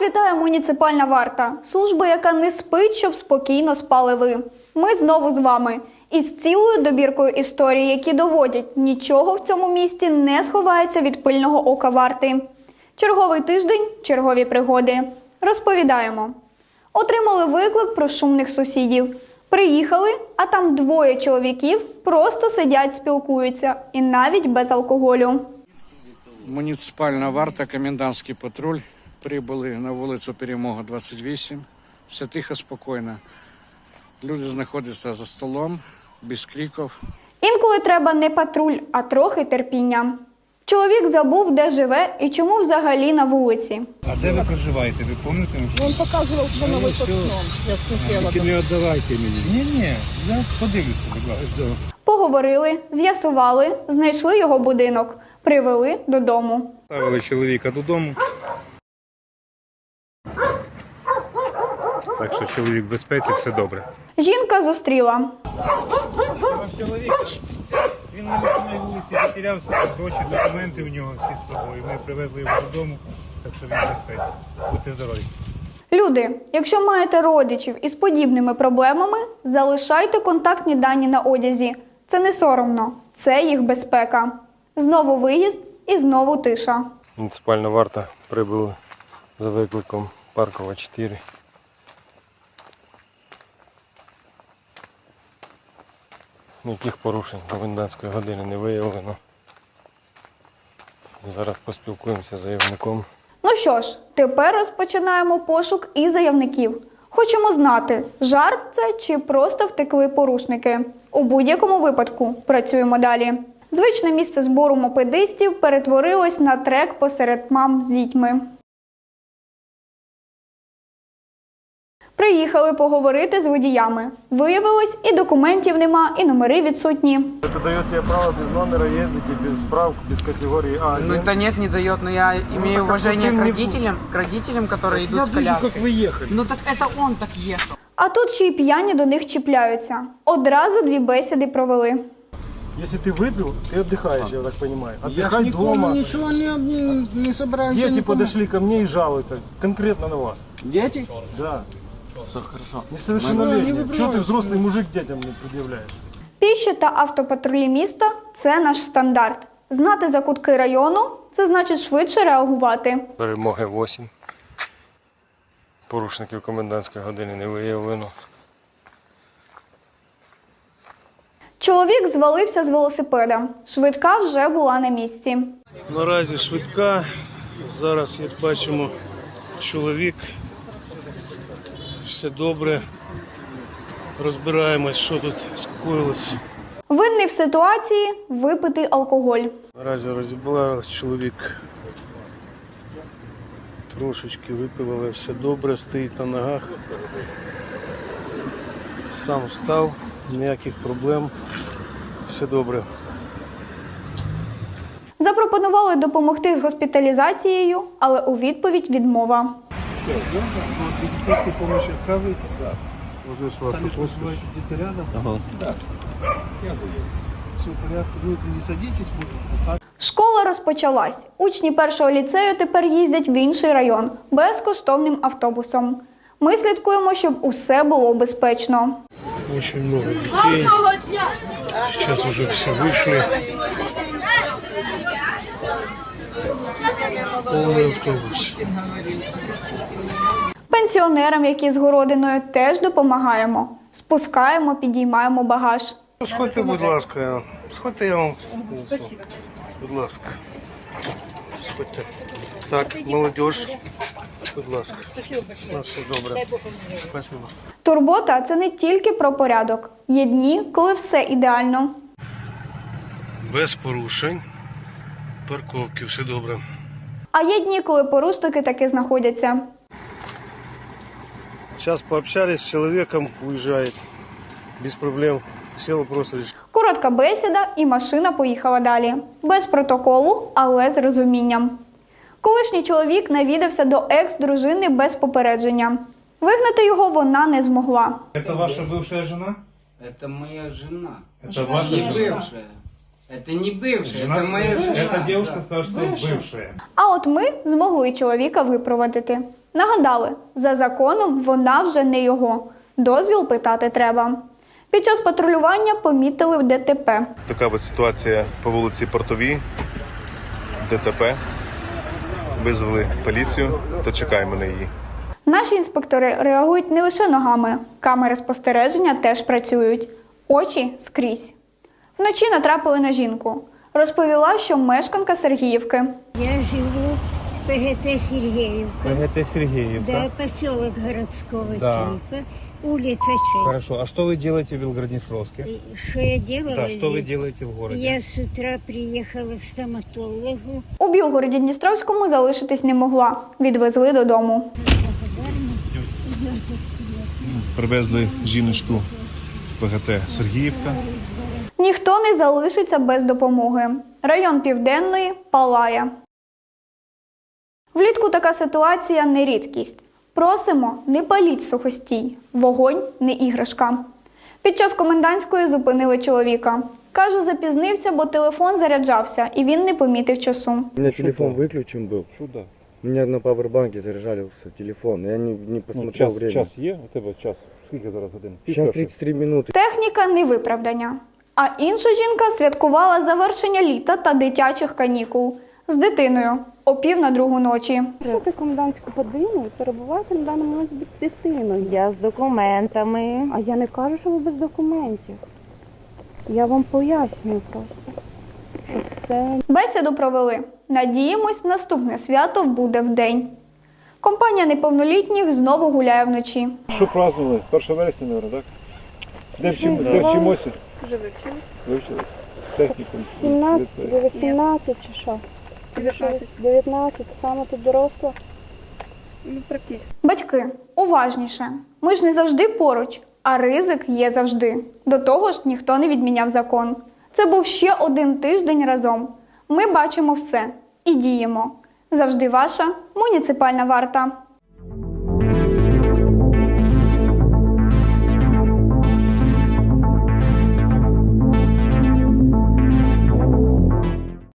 вітає муніципальна варта. Служба, яка не спить, щоб спокійно спали ви. Ми знову з вами. Із цілою добіркою історій, які доводять, нічого в цьому місті не сховається від пильного ока варти. Черговий тиждень – чергові пригоди. Розповідаємо. Отримали виклик про шумних сусідів. Приїхали, а там двоє чоловіків просто сидять, спілкуються. І навіть без алкоголю. Муніципальна варта, комендантський патруль прибули на вулицю Перемога, 28. Все тихо, спокійно. Люди знаходяться за столом, без криків. Інколи треба не патруль, а трохи терпіння. Чоловік забув, де живе і чому взагалі на вулиці. А де ви проживаєте, ви пам'ятаєте? Он показывал, что на выпускном. Я смотрела. Тільки не віддавайте мені. Ні, я подивлюся, будь ласка. Поговорили, з'ясували, знайшли його будинок, привели додому. Ставили чоловіка додому. Так що чоловік в безпеці, все добре. Жінка зустріла. Ваш чоловік, він на лісовій вулиці затерявся, гроші, документи у нього всі з собою. Ми привезли його додому, так що він в безпеці. Будьте здорові. Люди, якщо маєте родичів із подібними проблемами, залишайте контактні дані на одязі. Це не соромно, це їх безпека. Знову виїзд і знову тиша. Муніципальна варта прибула за викликом Паркова, 4. Ніяких порушень комендантської години не виявлено. Зараз поспілкуємося з заявником. Ну що ж, тепер розпочинаємо пошук і заявників. Хочемо знати, жарт це чи просто втекли порушники. У будь-якому випадку працюємо далі. Звичне місце збору мопедистів перетворилось на трек посеред мам з дітьми. Приїхали поговорити з водіями. Виявилось, і документів нема, і номери відсутні. Это дает тебе право без номера ездить и без справок, без категории А. Ну это нет, не дает, но я имею уважение к родителям, которые идут с коляской. Как вы ехали. Ну так это он так ехал. А тут ще й п'яні до них чіпляються. Одразу 2 бесіди провели. Если ты выпил, ты отдыхаешь, я так понимаю. Я ж Отдыхать никому дома. ничего не собираемся. Дети никому. подошли ко мне и жалуются конкретно на вас. Дети? Да. Все хорошо. Несовершеннолетние. Ну, Чего ты взрослый мужик детям не предъявляешь? Піші та автопатрулі міста – це наш стандарт. Знати закутки району – це значить швидше реагувати. Перемоги 8. Порушників комендантської години не виявлено. Чоловік звалився з велосипеда. Швидка вже була на місці. Наразі швидка. Зараз, як бачимо, чоловік. Все добре. Розбираємось, що тут скоїлось. Винний в ситуації – випитий алкоголь. Наразі розібралась чоловік. Трошечки випив, але все добре, стоїть на ногах. Сам встав, ніяких проблем. Все добре. Запропонували допомогти з госпіталізацією, але у відповідь відмова. Медицинской помощи отказываетесь? Сами проживаете где-то рядом? Ага. Да. Я буду. Все в порядке. Вы не садитесь, может, так. Школа розпочалась. Учні першого ліцею тепер їздять в інший район безкоштовним автобусом. Ми слідкуємо, щоб усе було безпечно. Очень много детей. Сейчас уже все вышли. Полный автобус. Пенсіонерам, які з городиною, теж допомагаємо. Спускаємо, підіймаємо багаж. Сходьте, будь ласка. Сходьте, я вам. Будь ласка. Сходьте. Так, молодежь. Будь ласка. На все добре. Спасибо. Турбота – це не тільки про порядок. Є дні, коли все ідеально. Без порушень. Парковки, все добре. А є дні, коли порушники таки знаходяться. Сейчас пообщались с человеком, уезжает. Без проблем. Все вопросы решены. Коротка бесіда і машина поїхала далі. Без протоколу, але з розумінням. Колишній чоловік навідався до екс-дружини без попередження. Вигнати його вона не змогла. Это ваша бывшая жена? Это моя жена. Это ваша Не жена? бывшая. Это не бывшая, Жена это моя жена. Эта девушка да. сказала, что бывшая. А от ми змогли чоловіка випровадити. Нагадали, за законом вона вже не його. Дозвіл питати треба. Під час патрулювання помітили ДТП. Така ось ситуація по вулиці Портовій. ДТП. Визвали поліцію, то чекаємо на її. Наші інспектори реагують не лише ногами. Камери спостереження теж працюють. Очі скрізь. Вночі натрапили на жінку. Розповіла, що мешканка Сергіївки. Я живу в ПГТ Сергеевка. ПГТ Сергеевка. Да, поселок городского Да. типа, улица 6. Хорошо. А что вы делаете в Белгороднестровске? Что я делала Да, что вы здесь? делаете в городе? Я с утра приехала в стоматологу. У Білгороді Дністровському залишитись не могла. Відвезли додому. Привезли жіночку в ПГТ Сергіївка. Ніхто не залишиться без допомоги. Район Південної палає. Влітку така ситуація не рідкість. Просимо, не паліть сухостій. Вогонь не іграшка. Під час комендантської зупинили чоловіка. Каже, запізнився, бо телефон заряджався, і він не помітив часу. У меня телефон выключен был. Чудо. У меня на пауэрбанке заряжался телефон. Я не посмотрел время. є? У тебе час? Скільки зараз годин? Сейчас 33 минуты. Техніка не виправдання. А інша жінка святкувала завершення літа та дитячих канікул. З дитиною о 1:45 ночі. Пишете комендантську годину і перебуваєте на даному момент з дитиною. Я з документами. А я не кажу, що ви без документів. Я вам пояснюю просто, що це... Бесіду провели. Надіємось, наступне свято буде вдень. Компанія неповнолітніх знову гуляє вночі. Що празднували? 1 вересня, мабуть, так? Де вчимося? Вже вивчились. Вивчились? Технікум. 17, 18 чи що? 19. 19, саме ти доросла. Ну, практично. Батьки, уважніше. Ми ж не завжди поруч, а ризик є завжди. До того ж, ніхто не відміняв закон. Це був ще один тиждень разом. Ми бачимо все і діємо. Завжди ваша муніципальна варта.